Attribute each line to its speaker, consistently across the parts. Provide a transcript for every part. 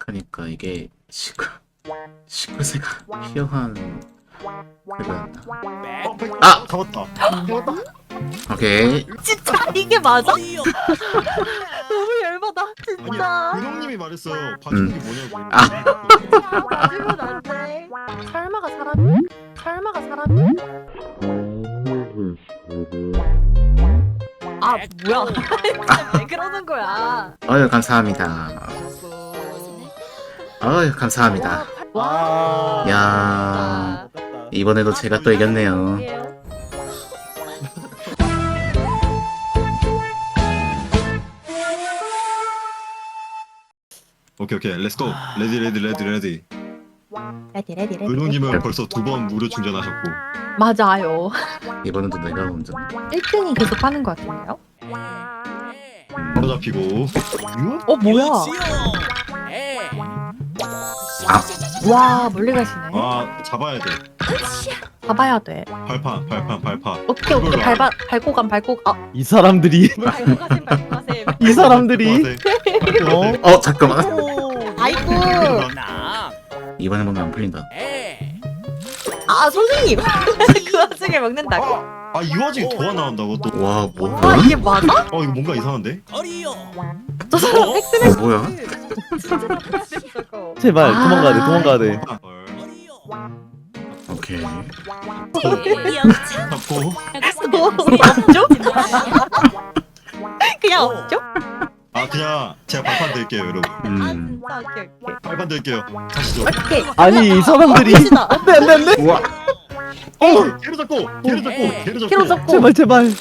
Speaker 1: 그니까 이게 시크세가 희어한 그거였나? 아!
Speaker 2: 잡았다.
Speaker 1: 오케이.
Speaker 3: 진짜 이게 맞아? 너무 열받아 진짜.
Speaker 2: 아니 근홍님이 말했어요. 봐주는 게 뭐냐고.
Speaker 3: 맞으면 안 돼. 설마가 사람이? 설마가 사람이? 아 뭐야? 진짜 왜 그러는 거야?
Speaker 1: 어휴 감사합니다. 어휴 감사합니다.
Speaker 3: 와.
Speaker 1: 야 이번에도 제가 또 이겼네요.
Speaker 2: 오케이 렛츠고. 레디.
Speaker 3: 레디 레디.
Speaker 2: 근홍님은 벌써 2번 무료 충전하셨고.
Speaker 3: 맞아요.
Speaker 1: 이번에도 내가 먼저.
Speaker 3: 1등이 계속 하는 것 같은데요?
Speaker 2: 바로 잡히고. 유?
Speaker 3: 뭐야?
Speaker 1: 아
Speaker 3: 와 멀리 가시네.
Speaker 2: 아 잡아야 돼.
Speaker 3: 봐봐야 돼.
Speaker 2: 발판.
Speaker 3: 오케이 밟고 감.
Speaker 4: 이 사람들이
Speaker 3: 밟고 가셈.
Speaker 4: 이 사람들이
Speaker 1: 잠깐만.
Speaker 3: 아이고.
Speaker 1: 이번에 보면 안 풀린다.
Speaker 3: 아 선생님. 그 와중에 먹는다고?
Speaker 2: 이 와중에 도화 나온다고 또.
Speaker 1: 와 뭐야?
Speaker 3: 아 이게 맞아?
Speaker 2: 이거 뭔가 이상한데?
Speaker 3: 저 사람 팩스를
Speaker 1: 뭐야?
Speaker 3: 진짜 나쁘지 저거.
Speaker 4: 제발 도망가야 돼.
Speaker 1: 오케이.
Speaker 2: 잡고.
Speaker 3: 없죠? 그냥 없죠?
Speaker 2: 그냥 제가 발판 들게요 여러분.
Speaker 3: 오케이.
Speaker 2: 발판 들게요. 가시죠.
Speaker 3: 오케이.
Speaker 4: 아니 이 사람들이
Speaker 3: 갑시다.
Speaker 4: 안돼
Speaker 1: 우와.
Speaker 2: 걔를 잡고.
Speaker 3: 키로 잡고.
Speaker 4: 제발 잠시만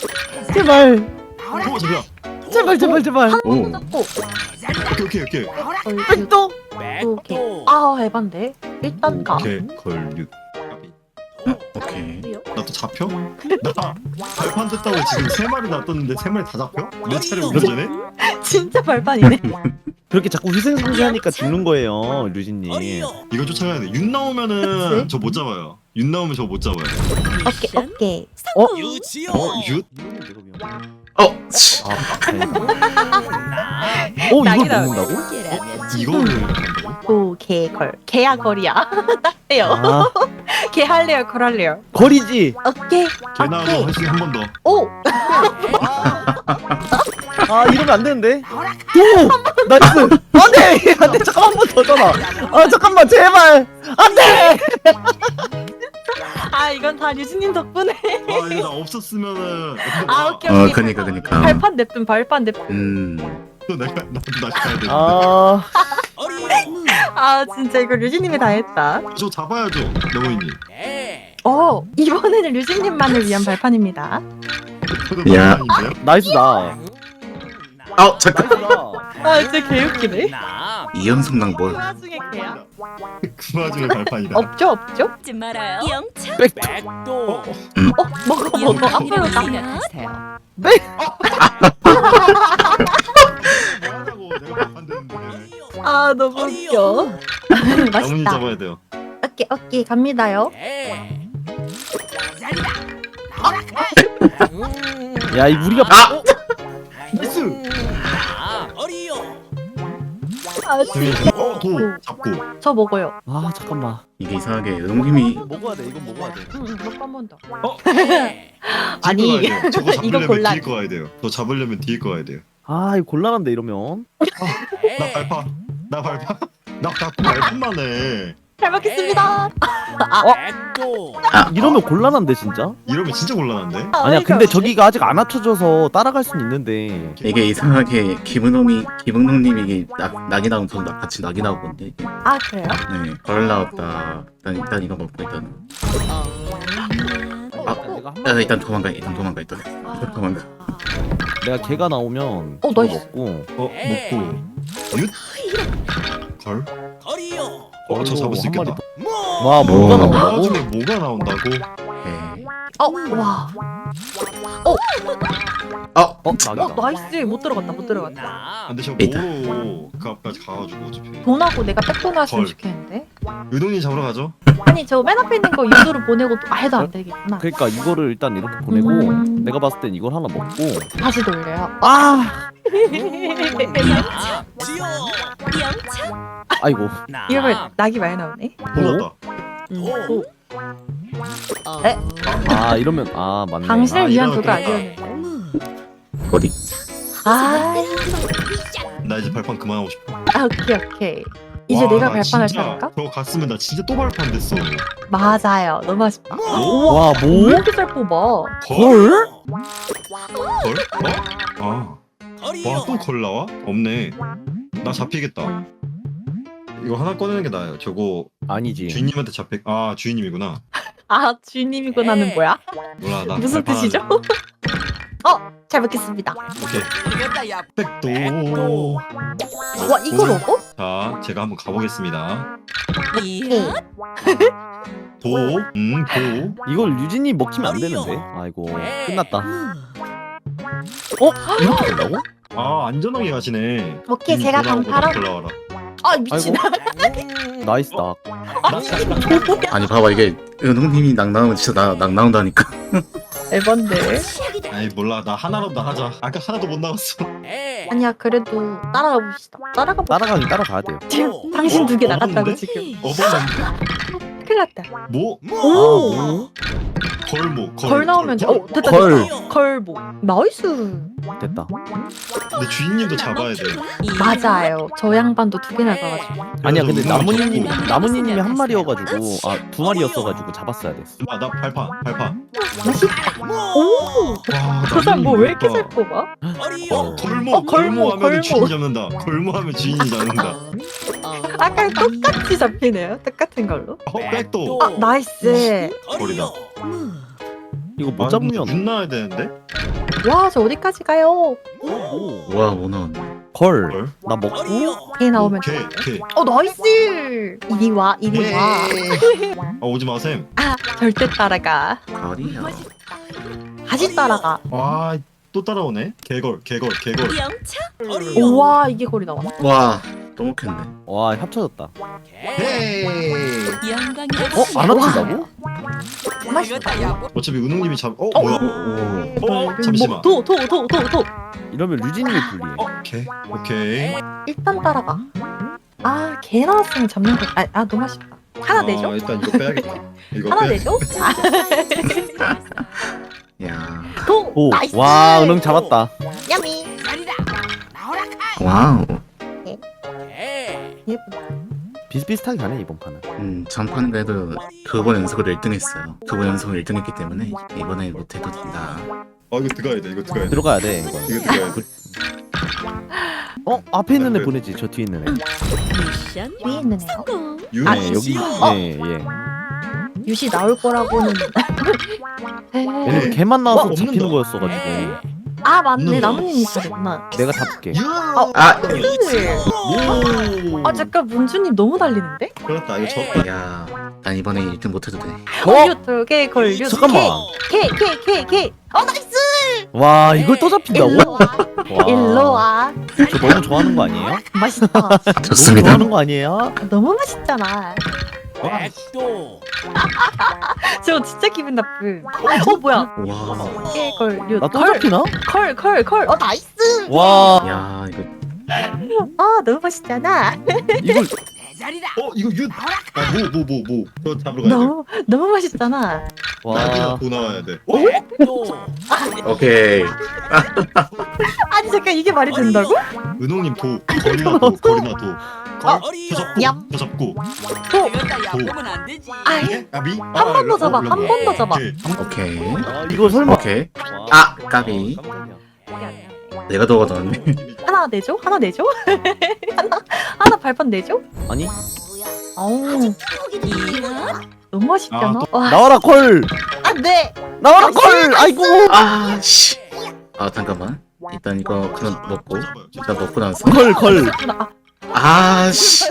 Speaker 4: 제발
Speaker 1: 오.
Speaker 3: 잡고.
Speaker 2: 오케이.
Speaker 4: 백도
Speaker 3: 오케이. 해반데. 일단 가.
Speaker 2: 오케이 걸류.
Speaker 1: 오케이.
Speaker 2: 나 또 잡혀? 나 발판 됐다고 지금 3마리 놔뒀는데 3마리 다 잡혀? 내 차례 운전해?
Speaker 3: 진짜 발판이네.
Speaker 4: 그렇게 자꾸 희생성세하니까 죽는 거예요 류진님.
Speaker 2: 이거 쫓아가야 돼. 윤 나오면은
Speaker 3: 그치?
Speaker 2: 저 못 잡아요. 윤 나오면 저 못 잡아요.
Speaker 3: 오케이.
Speaker 2: 윷?
Speaker 1: 치.
Speaker 4: 이걸
Speaker 3: 낙이다.
Speaker 4: 먹는다고?
Speaker 2: 이거를
Speaker 3: 오케이 걸. 개야 걸이야. 해요. 개 할래요 걸 할래요.
Speaker 4: 거리지.
Speaker 3: 오케이.
Speaker 2: 개 나와서 할수 한 번 더.
Speaker 3: 오.
Speaker 4: 이러면 안 되는데. 오 나이스. 안돼 잠깐 한 번 더 전화. 잠깐만 제발 안돼.
Speaker 3: 이건 다 유진님 덕분에.
Speaker 2: 이거 나 없었으면은
Speaker 3: 오케이.
Speaker 1: 그니까.
Speaker 3: 발판 냅둔.
Speaker 2: 또 나도 가야 돼.
Speaker 3: 진짜 이거 류진님이 다 했다.
Speaker 2: 저 잡아야죠, 명호이님.
Speaker 3: 이번에는 류진님만을 위한 발판입니다.
Speaker 2: 저도
Speaker 1: 야.
Speaker 2: 발판인데요?
Speaker 4: 나이스다.
Speaker 1: 잠깐.
Speaker 4: 나이스다.
Speaker 3: 진짜 개웃기네.
Speaker 1: 이연성당 뭘?
Speaker 3: 그 와중에 개야?
Speaker 2: 그 와중에 발판이다.
Speaker 3: 없죠?
Speaker 5: 잊지 말아요. 영차.
Speaker 4: 백도.
Speaker 3: 먹어. 앞으로 딱.
Speaker 2: 뭐하냐고 내가 발판 됐는데.
Speaker 3: 너무 웃겨.
Speaker 2: 나뭇잎
Speaker 3: 맛있다.
Speaker 2: 잡아야 돼요.
Speaker 3: 오케이 갑니다요.
Speaker 4: 야 이 무리가
Speaker 2: 나이스. 도 잡고.
Speaker 3: 저 먹어요.
Speaker 4: 잠깐만.
Speaker 1: 이게 이상하게 은홍님이
Speaker 4: 먹어야 돼. 이건 먹어야 돼.
Speaker 3: 한 번 더.
Speaker 2: 아니
Speaker 3: 아니,
Speaker 2: 저거
Speaker 3: 이거
Speaker 2: 잡으려면
Speaker 3: 곤란.
Speaker 2: 뒤에 거 가야 돼요. 저 잡으려면 뒤에 거 가야 돼요.
Speaker 4: 이거 곤란한데 이러면.
Speaker 2: 나 발판만 해.
Speaker 3: 잘 먹겠습니다.
Speaker 4: 이러면 곤란한데 진짜.
Speaker 2: 이러면 진짜 곤란한데?
Speaker 4: 아니야 근데 저기가 아직 안 합쳐져서 따라갈 순 있는데.
Speaker 1: 이게 이상하게 김은홍님이 이게 낙이 나오면 저도 같이 낙이 나오거든요. 이게.
Speaker 3: 그래요?
Speaker 1: 네, 걸 나왔다. 일단 이거 먹고 일단. 일단 도망가.
Speaker 4: 내가 걔가 나오면
Speaker 3: 나이스.
Speaker 4: 먹고.
Speaker 2: 먹고. 윷? 걸? 저 잡을 수
Speaker 4: 한 마리
Speaker 2: 있겠다.
Speaker 4: 더. 와 뭐가
Speaker 1: 뭐.
Speaker 4: 나온다고?
Speaker 2: 나중에 뭐가 나온다고?
Speaker 1: 오케이.
Speaker 3: 와. 나이스. 못 들어갔다.
Speaker 2: 근데 저
Speaker 1: 있다.
Speaker 2: 뭐로 그 앞까지 가가지고 어차피.
Speaker 3: 돈하고 내가 백돈 하시면
Speaker 2: 걸.
Speaker 3: 좋겠는데.
Speaker 2: 유동이 잡으러 가죠?
Speaker 3: 아니 저 맨 앞에 있는 거 유도로 보내고 해도 안 되겠구나.
Speaker 4: 그러니까 이거를 일단 이렇게 보내고 내가 봤을 땐 이걸 하나 먹고
Speaker 3: 다시 돌려요.
Speaker 5: 영차.
Speaker 4: 아이고.
Speaker 3: 이러면 낙이 많이 나오네.
Speaker 2: 몰랐다.
Speaker 3: 오.
Speaker 5: 에?
Speaker 4: 아 이러면 아 맞네.
Speaker 3: 당신을 위한
Speaker 2: 이러면
Speaker 3: 그거
Speaker 2: 그렇다.
Speaker 3: 아니었는데.
Speaker 1: 어디?
Speaker 3: 아,
Speaker 2: 나 이제 발판 그만하고 싶어.
Speaker 3: 오케이. 이제
Speaker 2: 와,
Speaker 3: 내가
Speaker 2: 나
Speaker 3: 발판할
Speaker 2: 진짜
Speaker 3: 차례인가?
Speaker 2: 저거 갔으면 나 진짜 또 발판 됐어.
Speaker 3: 맞아요. 너무 아쉽다.
Speaker 4: 와
Speaker 3: 왜
Speaker 4: 뭐?
Speaker 3: 이렇게 잘 뽑아?
Speaker 4: 걸?
Speaker 2: 걸? 어? 와, 또 걸 나와? 없네. 나 잡히겠다. 이거 하나 꺼내는 게 나아요. 저거
Speaker 4: 아니지.
Speaker 2: 주인님한테 아, 주인님이구나.
Speaker 3: 아, 주인님이구나는 뭐야?
Speaker 2: 몰라, 나
Speaker 3: 무슨
Speaker 2: 발판
Speaker 3: 뜻이죠? 잘 먹겠습니다.
Speaker 2: 오케이. 백도.
Speaker 3: 와, 이걸 먹어?
Speaker 2: 자, 제가 한번 가보겠습니다.
Speaker 5: 이야.
Speaker 2: 도.
Speaker 4: 이걸 유진이 먹히면 안 되는데. 아이고 끝났다. 이렇게 된다고?
Speaker 2: 아, 안전하게 가시네.
Speaker 3: 오케이, 제가 방파라.
Speaker 2: 올라와라.
Speaker 3: 아, 미친.
Speaker 4: 나이스 딱.
Speaker 1: 아니 봐봐 이게 은홍님이 낙 나오면 진짜 낙 나온다니까.
Speaker 3: 에반데.
Speaker 2: 아이, 몰라. 나 하나라도 하자. 아까 하나도 못 나왔어.
Speaker 3: 아니야, 그래도 따라가 봅시다. 따라가 봅시다.
Speaker 4: 따라가긴 따라가야 돼요.
Speaker 3: 지금 당신 두 개 나갔다고
Speaker 2: 어떤데?
Speaker 3: 지금.
Speaker 2: 어버는데?
Speaker 3: 큰일 났다.
Speaker 2: 뭐?
Speaker 3: 오!
Speaker 2: 걸모.
Speaker 3: 걸 나오면 됐다.
Speaker 4: 걸.
Speaker 3: 걸보. 나이스.
Speaker 4: 됐다.
Speaker 2: 근데 주인님도 잡아야 돼.
Speaker 3: 맞아요. 저 양반도 두 개 나가가지고.
Speaker 4: 아니야 근데
Speaker 2: 그래서
Speaker 4: 나무님이 한 마리여가지고 두 마리였어가지고 잡았어야 됐어.
Speaker 2: 아, 나 발판.
Speaker 3: 오!
Speaker 2: 와,
Speaker 3: 저 사람 뭐 왜 이렇게
Speaker 2: 나무님
Speaker 3: 잘 뽑아?
Speaker 2: 걸모.
Speaker 3: 걸모,
Speaker 2: 하면
Speaker 3: 걸모.
Speaker 2: 주인 잡는다. 걸모 하면 주인이 잡는다.
Speaker 3: 아까 똑같이 잡히네요. 똑같은 걸로.
Speaker 2: 백도.
Speaker 3: 아, 나이스.
Speaker 2: 거리다.
Speaker 4: 이거 못 잡으면
Speaker 2: 눈 나야 되는데?
Speaker 3: 와, 저 어디까지 가요?
Speaker 1: 와 뭐 나왔네.
Speaker 4: 걸.
Speaker 2: 걸?
Speaker 4: 나 먹고
Speaker 3: 개 나오면
Speaker 2: 개.
Speaker 3: 나이스. 이리 와.
Speaker 2: 아, 오지 마셈.
Speaker 3: 아, 절대 따라가.
Speaker 1: 거리야.
Speaker 3: 다시 따라가.
Speaker 2: 와, 또 따라오네. 개걸.
Speaker 5: 영차.
Speaker 3: 우와, 이게 거리 나와.
Speaker 1: 와 또 먹혔네.
Speaker 4: 와 합쳐졌다.
Speaker 2: 헤이.
Speaker 5: 영광이라고.
Speaker 4: 안 합친다고?
Speaker 3: 맛있다.
Speaker 2: 어차피 은웅님이 뭐야?
Speaker 1: 오.
Speaker 2: 잠시만.
Speaker 3: 도.
Speaker 4: 이러면 유진님이 불리해.
Speaker 2: 오케이.
Speaker 3: 일단 따라가. 아, 개 나왔으면 잡는 거. 너무 아쉽다. 하나 내죠?
Speaker 2: 일단 이거 빼야겠다. 이거
Speaker 3: 하나
Speaker 2: 빼.
Speaker 3: 내죠?
Speaker 1: 야.
Speaker 3: 도.
Speaker 4: 오.
Speaker 3: 나이스.
Speaker 4: 와 은행 잡았다.
Speaker 3: 야미.
Speaker 1: 와우.
Speaker 4: 비슷비슷하게 가네 이번 판은.
Speaker 1: 전판 그래도 2번 연속으로 1등했어요. 2번 연속으로 1등했기 때문에 이번에 못해도 된다.
Speaker 2: 이거 들어가야 돼.
Speaker 4: 들어가야 돼 이거.
Speaker 2: 이거 들어가야 돼.
Speaker 4: 앞에 있는 애 보내지 저 뒤에 있는 애.
Speaker 5: 미션
Speaker 3: 위에 있는 애요?
Speaker 5: 성공.
Speaker 2: 유.
Speaker 3: 아,
Speaker 4: 네 여기.
Speaker 3: 어?
Speaker 4: 예.
Speaker 3: 유시 나올 거라고는.
Speaker 4: 왜냐면 걔만 나와서
Speaker 2: 없는다.
Speaker 4: 잡히는 거였어가지고.
Speaker 3: 아, 맞네.
Speaker 2: 없는다.
Speaker 3: 나무님이 잘했구나.
Speaker 4: 내가 잡을게.
Speaker 1: 아.
Speaker 2: 오.
Speaker 3: 잠깐 문주님 너무 달리는데?
Speaker 2: 그렇다. 이거 졌다.
Speaker 1: 야. 난 이번에 1등 못해도 돼.
Speaker 3: 걸류 개 걸류.
Speaker 4: 잠깐만.
Speaker 3: 개. 나이스.
Speaker 4: 와 이걸 또 잡힌다고?
Speaker 3: 일로 와.
Speaker 4: 와.
Speaker 3: 일로 와.
Speaker 4: 저 너무 좋아하는 거 아니에요?
Speaker 3: 맛있다.
Speaker 4: 너무
Speaker 1: 좋습니다.
Speaker 4: 좋아하는 거 아니에요?
Speaker 3: 너무 맛있잖아.
Speaker 5: 백도.
Speaker 3: 저 진짜 기분 나쁨. 뭐야?
Speaker 1: 와.
Speaker 3: 개 걸류.
Speaker 4: 나 또 잡히나?
Speaker 3: 컬. 나이스.
Speaker 4: 와
Speaker 1: 야 이거
Speaker 3: 너무 맛있잖아.
Speaker 4: 이걸
Speaker 2: 이거 윷. 뭐. 저 잡으러 가야 돼.
Speaker 3: 너무 맛있잖아.
Speaker 2: 나비나
Speaker 4: 와
Speaker 2: 도 나와야 돼.
Speaker 5: 백도.
Speaker 1: 오케이.
Speaker 3: 아니 잠깐 이게 말이 된다고?
Speaker 2: 은홍님 도. 거리나 도.
Speaker 3: 얌.
Speaker 2: 더 잡고.
Speaker 5: 보면 안 되지.
Speaker 2: 나비.
Speaker 3: 한 번 더 잡아. 한 번 더 잡아.
Speaker 1: 오케이.
Speaker 4: 이거 설마
Speaker 1: 오케이. 아, 까비. 내가 더 얻었네.
Speaker 3: 하나 내줘? 하나 발판 내줘?
Speaker 4: 아니
Speaker 3: 어우,
Speaker 5: 이야.
Speaker 3: 너무 맛있잖아.
Speaker 2: 아,
Speaker 3: 와,
Speaker 4: 나와라 콜
Speaker 3: 안돼.
Speaker 4: 나와라 콜 아이고
Speaker 1: 아, 씨. 아, 잠깐만. 일단 이거 그냥 먹고. 일단 먹고 나서.
Speaker 4: 콜
Speaker 1: 아, 씨.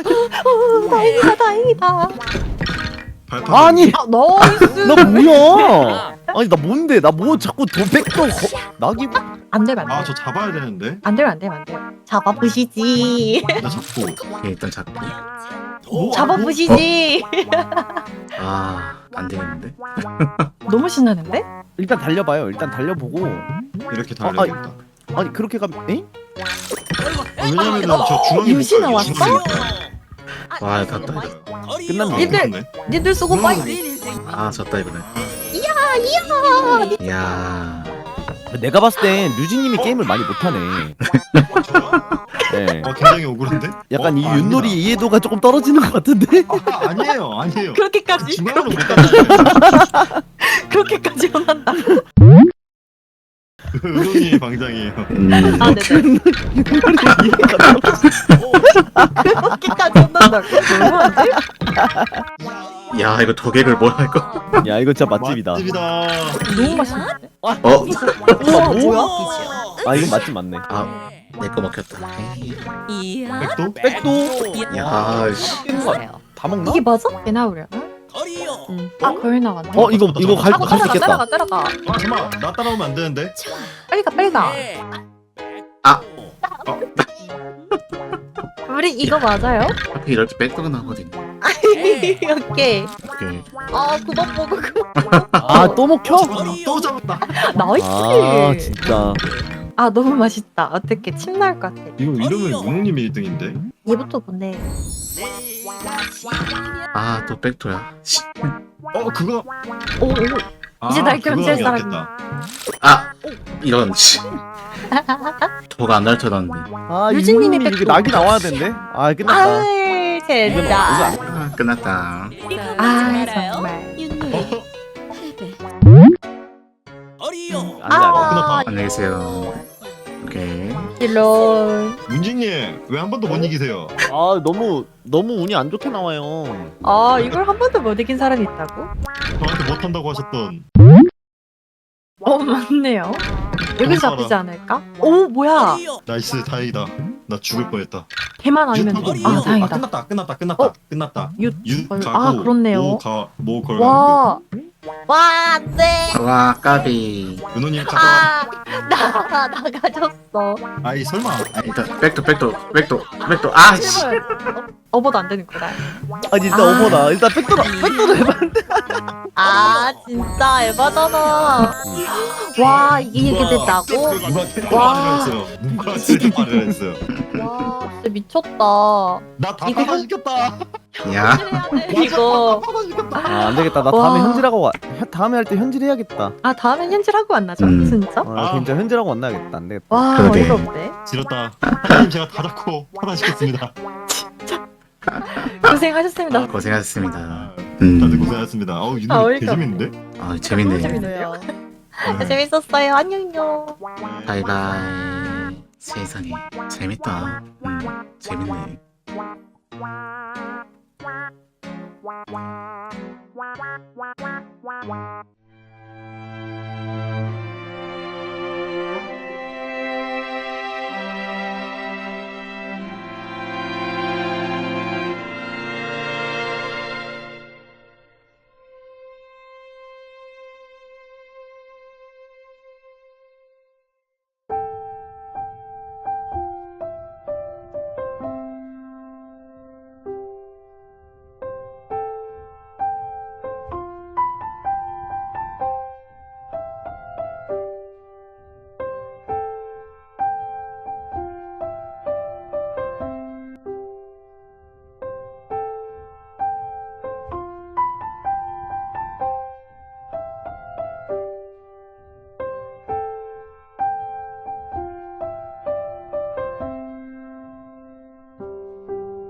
Speaker 3: 다행이다.
Speaker 2: 발판.
Speaker 4: 아니
Speaker 3: 나이스.
Speaker 4: 나 뭐야 아니 나 뭔데 나 뭐 자꾸 도백도 낙이
Speaker 3: 안 되면 안 돼.
Speaker 2: 저 잡아야 되는데.
Speaker 3: 안 돼요. 잡아보시지.
Speaker 2: 나 잡고.
Speaker 1: 오케이, 일단 잡고.
Speaker 3: 잡아보시지.
Speaker 1: 아, 안 되겠는데?
Speaker 3: 너무 신나는데?
Speaker 4: 일단 달려봐요 일단 달려보고
Speaker 2: 이렇게 달려야겠다.
Speaker 4: 아니 그렇게 가면 에?
Speaker 2: 왜냐면은 저 중앙에 못
Speaker 3: 유시
Speaker 2: 가요.
Speaker 3: 나왔어?
Speaker 2: 중앙에 못 가요.
Speaker 1: 와 갔다.
Speaker 4: 끝났네.
Speaker 3: 니들
Speaker 2: 끝났네.
Speaker 3: 니들 수고 빠이.
Speaker 1: 아 졌다 이번에. 이야.
Speaker 4: 내가 봤을 땐 류진님이 게임을 많이 못하네. 네.
Speaker 2: 굉장히 억울한데?
Speaker 4: 약간 이
Speaker 2: 아니다.
Speaker 4: 윷놀이 이해도가 조금 떨어지는 것 같은데?
Speaker 2: 아니에요, 아니에요.
Speaker 3: 그렇게까지
Speaker 2: 중앙으로 못 간다.
Speaker 3: 그렇게까지 혼난다.
Speaker 2: 은호님의 방장이에요.
Speaker 3: 아
Speaker 1: 오케이.
Speaker 3: 네네. 그렇게까지 혼난다고? 너무한데?
Speaker 1: 야 이거 도객을 뭐 할 거?
Speaker 4: 야 이거 진짜 맛집이다.
Speaker 2: 맛집이다.
Speaker 3: 너무 맛있는데?
Speaker 1: 어?
Speaker 3: 우와 뭐야?
Speaker 4: 아 이건 맛집 맞네.
Speaker 1: 아 내 거 먹혔다.
Speaker 5: 이야.
Speaker 2: 백도?
Speaker 4: 백도
Speaker 1: 야 씨.
Speaker 4: 다 먹나?
Speaker 3: 이게 맞아? 개 나오려?
Speaker 5: 거리요.
Speaker 3: 아 거울 나왔네.
Speaker 4: 이거 갈 수
Speaker 3: 따라가
Speaker 4: 있겠다.
Speaker 3: 따라가.
Speaker 2: 아 잠깐만, 나 따라오면 안 되는데.
Speaker 3: 빨리 가 빨리 가.
Speaker 1: 아.
Speaker 3: 우리 이거 맞아요?
Speaker 1: 하필 이럴 때 백도가 나거든요.
Speaker 3: 오케이.
Speaker 1: 오케이.
Speaker 3: 아 그만 먹어 그만.
Speaker 4: 아 또 먹혀?
Speaker 2: 또 잡았다.
Speaker 3: 나이스.
Speaker 4: 아 진짜.
Speaker 3: 아 너무 맛있다. 어떻게 침 나올 것 같아.
Speaker 2: 이거 이러면 은호님이 1등인데.
Speaker 3: 얘부터 보내.
Speaker 1: 아 또 백도야. 씨.
Speaker 2: 그거.
Speaker 3: 오 오. 이제 날
Speaker 2: 그거
Speaker 3: 견제할
Speaker 2: 하면
Speaker 3: 사람이.
Speaker 2: 낫겠다.
Speaker 1: 아 이런 씨. 도가 안 날쳐놨는데.
Speaker 4: 아
Speaker 3: 류진님이
Speaker 4: 윷놀이 이게
Speaker 3: 백도.
Speaker 4: 낙이 나와야 된대. 아 끝났다.
Speaker 3: 아이 젠장.
Speaker 1: 아 끝났다.
Speaker 3: 아 정말.
Speaker 5: 거리요.
Speaker 4: 안돼 안돼.
Speaker 3: 아
Speaker 1: 안녕히 계세요. 오케이.
Speaker 3: 일론.
Speaker 2: 문진님 왜 한 번도 못 이기세요?
Speaker 4: 아 너무 운이 안 좋게 나와요.
Speaker 3: 아 이걸 한 번도 못 이긴 사람이 있다고?
Speaker 2: 저한테 못한다고 하셨던.
Speaker 3: 맞네요. 여기 잡히지 않을까? 오 뭐야?
Speaker 2: 나이스, 다행이다. 나 죽을 뻔했다.
Speaker 3: 걔만 아니면
Speaker 2: 유타고
Speaker 3: 돼. 아 다행이다.
Speaker 2: 끝났다.
Speaker 3: 유.
Speaker 2: 유
Speaker 3: 아,
Speaker 2: 가고
Speaker 3: 그렇네요.
Speaker 2: 모 걸.
Speaker 3: 와. 와 안돼.
Speaker 1: 와 까비.
Speaker 2: 은호님 가져와.
Speaker 3: 아나 나가졌어.
Speaker 2: 아이 설마.
Speaker 1: 일단 백도. 아 씨.
Speaker 3: 제발. 어버도 안 되는구나.
Speaker 4: 아니 일단
Speaker 3: 아.
Speaker 4: 오버다. 일단 백도로 해봐.
Speaker 3: 아 진짜 에바잖아. 와 이게 됐다고?
Speaker 2: 누가 캐릭터
Speaker 3: 와.
Speaker 2: 말을 했어요. 누가 캐릭터 말을 했어요.
Speaker 3: 와 진짜 미쳤다.
Speaker 2: 나다
Speaker 3: 이거-
Speaker 2: 파가시켰다.
Speaker 1: 야.
Speaker 3: 이거
Speaker 2: 파가시켰다.
Speaker 4: 아 안되겠다. 나
Speaker 3: 와.
Speaker 4: 다음에 현질하고 다음에 할 때 현질해야겠다.
Speaker 3: 아 다음엔 현질하고 만나죠 진짜?
Speaker 4: 아 진짜 현질하고 만나야겠다. 안되겠다.
Speaker 3: 와
Speaker 1: 그러게.
Speaker 3: 어이가 없네.
Speaker 2: 지렸다. 하나님 제가 다 잡고 파가시켰습니다.
Speaker 3: 고생하셨습니다.
Speaker 1: 고생하셨습니다.
Speaker 2: 다들 고생하셨습니다. 어우
Speaker 3: 아,
Speaker 2: 유노
Speaker 3: 어이가
Speaker 2: 개재밌는데?
Speaker 1: 아 재밌네.
Speaker 3: 재밌네요. 재밌었어요. 안녕요.
Speaker 1: 바이바이. 세상에 재밌다. 재밌네.
Speaker 6: Wow.